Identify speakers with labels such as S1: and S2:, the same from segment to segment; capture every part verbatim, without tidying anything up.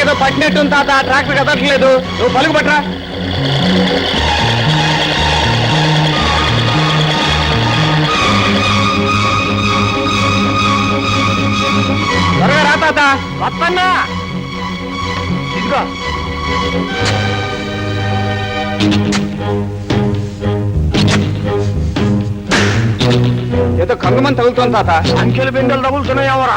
S1: ఏదో పట్టినట్టు తాత ట్రాక్టర్ కదట్లేదు నువ్వు పలుకు పట్టరా త్వరగా రా తాత వస్తన్నా ఇదిగో ఏదో కంగమని తగులుతోంది తాత అంకెలు బిందెలు తగులుతున్నాయి ఎవరా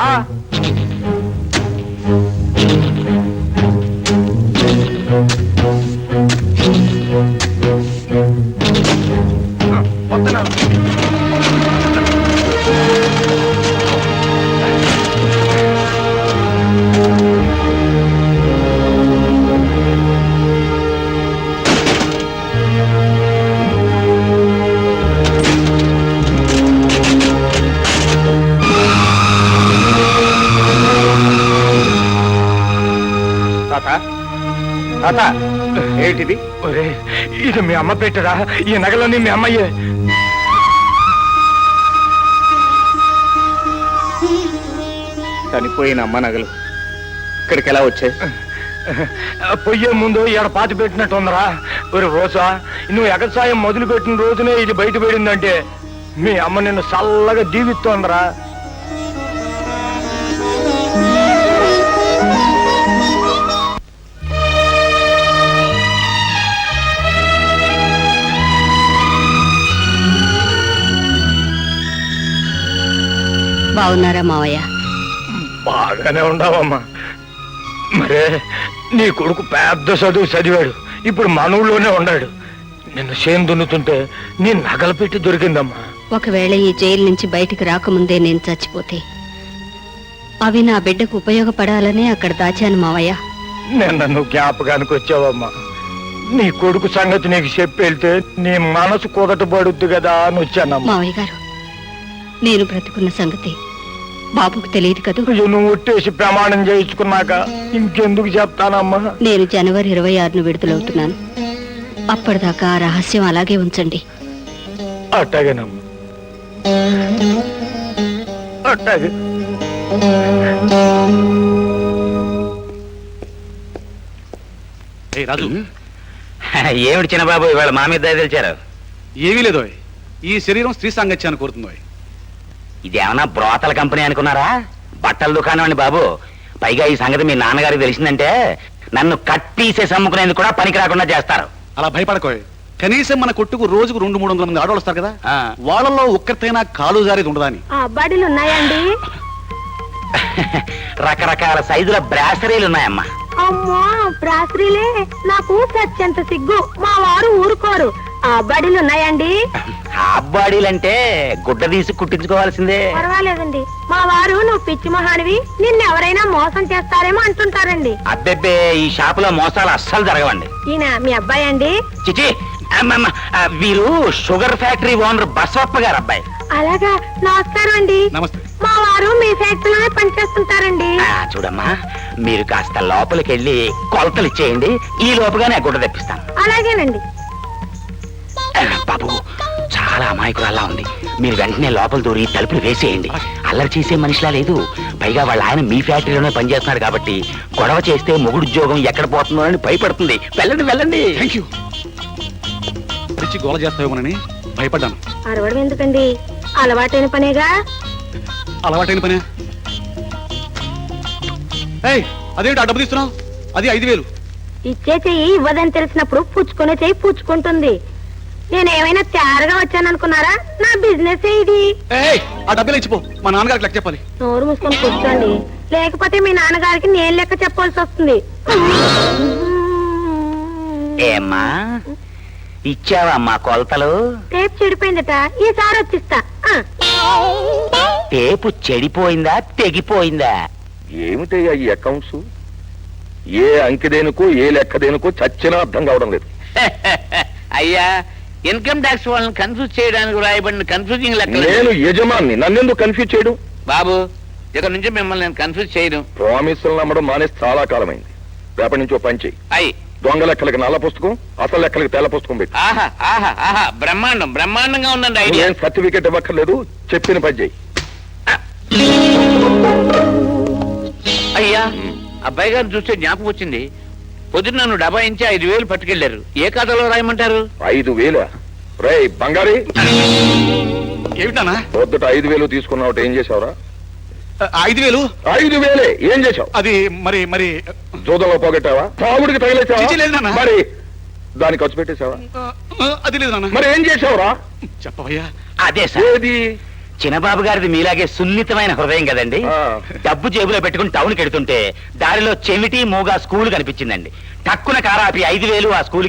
S1: ఏంటిది ఇది మీ అమ్మ పెట్టరా ఈ నగలన్నీ మీ అమ్మయ్యే చనిపోయిన అమ్మ నగలు ఇక్కడికి ఎలా వచ్చాయి పొయ్యే ముందు ఈడ పాతి పెట్టినట్టు ఉందరా ఒక రోజా నువ్వు ఎగసాయం మొదలు పెట్టిన రోజునే ఇది బయట పడిందంటే మీ అమ్మ నిన్ను చల్లగా దీవిస్తోందరా
S2: బాగున్నారా మావయ్య?
S1: బాగానే ఉండవమ్మా. మరే నీ కొడుకు పెద్ద చదువు చదివాడు, ఇప్పుడు మన ఊళ్ళోనే ఉన్నాడు. నిన్ను చేను దున్నుతుంటే నీ నగలు పెట్టి దొరికిందమ్మా.
S2: ఒకవేళ ఈ జైలు నుంచి బయటికి రాకముందే నేను చచ్చిపోతే అవి నా బిడ్డకు ఉపయోగపడాలనే అక్కడ దాచాను మావయ్య.
S1: నిన్న నువ్వు జ్ఞాపకానికి వచ్చావమ్మా. నీ కొడుకు సంగతి నీకు చెప్పి వెళ్తే నీ మనసు కుదట పడుద్ది కదా అని వచ్చానమ్మా.
S2: మావయ్య గారు, నేను బ్రతుకున్న సంగతి బాబుకు తెలియదు కదా.
S1: నువ్వు ఒట్టేసి ప్రమాణం చేయించుకున్నాక ఇంకెందుకు చెప్తానమ్మా.
S2: నేను జనవరి ఇరవై ఆరును విడుదలవుతున్నాను. అప్పటిదాకా ఆ రహస్యం అలాగే ఉంచండి.
S1: అట్టాగేనమ్మా, అట్టాగే.
S3: రాజు,
S4: ఏమిటి చిన్నబాబు ఇవాళ మా మీద తెలిచారు?
S3: ఏమీ లేదు, ఈ శరీరం స్త్రీ సాంగత్యాన్ని కోరుతుందో.
S4: ఇదేమన్నా బ్రోతల కంపెనీ అనుకున్నారా? బట్టల దుకాణం అండి బాబు. పైగా ఈ సంగతి మీ నాన్నగారికి తెలిసిందంటే నన్ను కట్టీసే సమ్ముకునేందుకు కూడా పనికి రాకుండా చేస్తారు.
S3: అలా భయపడకోయ్. కనీసం మన కొట్టుకు రోజుకు రెండు మూడు వందల మంది ఆడవాళ్ళు వస్తారు కదా, వాళ్ళలో ఒక్కరితైనా కాలు జారేది ఉండదా అని.
S2: అబ్బాడీలు ఉన్నాయండి?
S4: రకరకాల సైజుల బ్రాసరీలు ఉన్నాయమ్మా.
S2: అమ్మా, బ్రాసరీలే? నాకు సత్యంత సిగ్గు. మా వారు ఊరుకోరు. అబ్బాడీలు ఉన్నాయండి?
S4: అబ్బాడీలంటే గుడ్డ తీసి కుట్టించుకోవాల్సిందే.
S2: పర్వాలేదండి, మా వారు నువ్వు పిచ్చి మొహానివి, నిన్నెవరైనా మోసం చేస్తారేమో అంటుంటారండి.
S4: అబ్బెబ్బే, ఈ షాపులో మోసాలు అస్సలు జరగవండి.
S2: ఈయన మీ అబ్బాయి అండి?
S4: చిచి, వీరు షుగర్ ఫ్యాక్టరీ ఓనర్ బసవప్ప గారు అబ్బాయి.
S2: అలాగా, నమస్కారం అండి.
S3: నమస్తే.
S2: మా వారు మీ ఫ్యాక్టరీలోనే పనిచేస్తుంటారండి.
S4: చూడమ్మా, మీరు కాస్త లోపలికి వెళ్ళి కొలతలు ఇచ్చేయండి, ఈ లోపుగానే గుడ్డ తెప్పిస్తాను.
S2: అలాగేనండి.
S4: బాబు, చాలా అమాయకురాల్లా ఉంది. మీరు వెంటనే లోపల దూరి తలుపులు వేసేయండి. అల్లరి చేసే మనిషిలా లేదు. పైగా వాళ్ళ ఆయన మీ ఫ్యాక్టరీలోనే పనిచేస్తున్నాడు కాబట్టి గొడవ చేస్తే మొగుడు ఉద్యోగం ఎక్కడ పోతుందో అని భయపడుతుంది. వెళ్ళండి వెళ్ళండి.
S3: Thank you. పిచ్చి గోల చేస్తావేమోనని భయపడ్డాను.
S2: అరవడం ఎందుకండి, అలవాటైన పనేగా.
S3: అలవాటైన పనే. ఏయ్, అదేంటి ఆ డబ్బు తీస్తున్నావు? అది ఐదు వేలు.
S2: ఇచ్చే చెయ్యి ఇవ్వదని తెలిసినప్పుడు పుచ్చుకునే చెయ్యి పుచ్చుకుంటుంది. నేనేమైనా తయారుగా వచ్చాననుకున్నారా? నా బిజినెస్ ఇది.
S3: ఏయ్, ఆ డబ్బులు ఇచ్చిపో, మా నాన్నగారికి లెక్క చెప్పాలి.
S2: నోరు మూసుకొని కూర్చోండి, లేకపోతే మీ నాన్నగారికి నేను లెక్క చెప్పాల్సి వస్తుంది.
S4: ఏమ్మా, ఇచ్చావా మా కొలతలు?
S2: టేప్ చెడిపోయిందట, ఈసారి వచ్చిస్తా.
S4: టేపు చెడిపోయిందా తెగిపోయిందా?
S5: ఏమిటయ్యా ఈ అకౌంట్స్? ఏ అంకెదేనుకో ఏ లెక్కదేనుకో చచ్చినా అర్థం కావడం లేదు.
S4: అయ్యా, ఇన్కమ్ ట్యాక్స్ వాళ్ళని కన్ఫ్యూజ్ చేయడానికి రాయబడిన కన్ఫ్యూజింగ్ లెక్క.
S5: నేను యజమాన్ని, నన్నెందుకు కన్ఫ్యూజ్ చేయడం?
S4: బాబు, ఇక్కడ నుంచి మిమ్మల్ని నేను కన్ఫ్యూజ్ చేయను.
S5: ప్రామిసులు నమ్మడం మానేసి చాలా కాలమైంది. రేపటి నుంచి ఓ పని చెయ్యి.
S4: అయ్యి,
S5: దొంగ లెక్కలకి నల్ల పుస్తకం, అసలు లెక్కలకి తెల్ల పుస్తకం పెట్టి.
S4: ఆహా ఆహా ఆహా, బ్రహ్మాండం బ్రహ్మాండంగా ఉందండి ఐడియా.
S5: ఏం సర్టిఫికెట్ ఇవ్వక్కర్లేదు, చెప్పిన పని చెయ్యి.
S4: అయ్యా,
S6: అబ్బాయి గారిని చూస్తే జ్ఞాపకం వచ్చింది. పొద్దున్న నన్ను డబ్బా ఇంచి ఐదు వేలు పట్టుకెళ్లారు. ఏ కథలో రాయమంటారు?
S5: ఐదు వేల రే బంగారి,
S3: ఏమిటానా?
S5: పొద్దుట ఐదు వేలు తీసుకున్నావు, ఏం చేసావురా?
S3: ఐదు వేలు
S5: ఐదు వేలే ఏం చేసావు?
S3: అది మరి మరి
S5: జూదంలో పోగొట్టావా? తాగుడికి
S3: చిచి, లేదు
S5: తగిలేసావా?
S3: నాన్న.
S5: మరి దాన్ని ఖర్చు పెట్టేశావా?
S3: ఆ, ఆ, అది లేదు నాన్న.
S5: మరి ఏం చేసావురా?
S3: చెప్పవయ్యా.
S4: అదే సార్,
S5: ఏది?
S4: చిన్నబాబు గారిది మీలాగే సున్నితమైన హృదయం కదండి.
S5: ఆ.
S4: డబ్బు జేబులో పెట్టుకుని టౌన్కి వెడుతుంటే దారిలో చెమిటి మూగా స్కూల్ కనిపించిందండి. టక్కున కారాపి ఐదు వేలు ఆ స్కూల్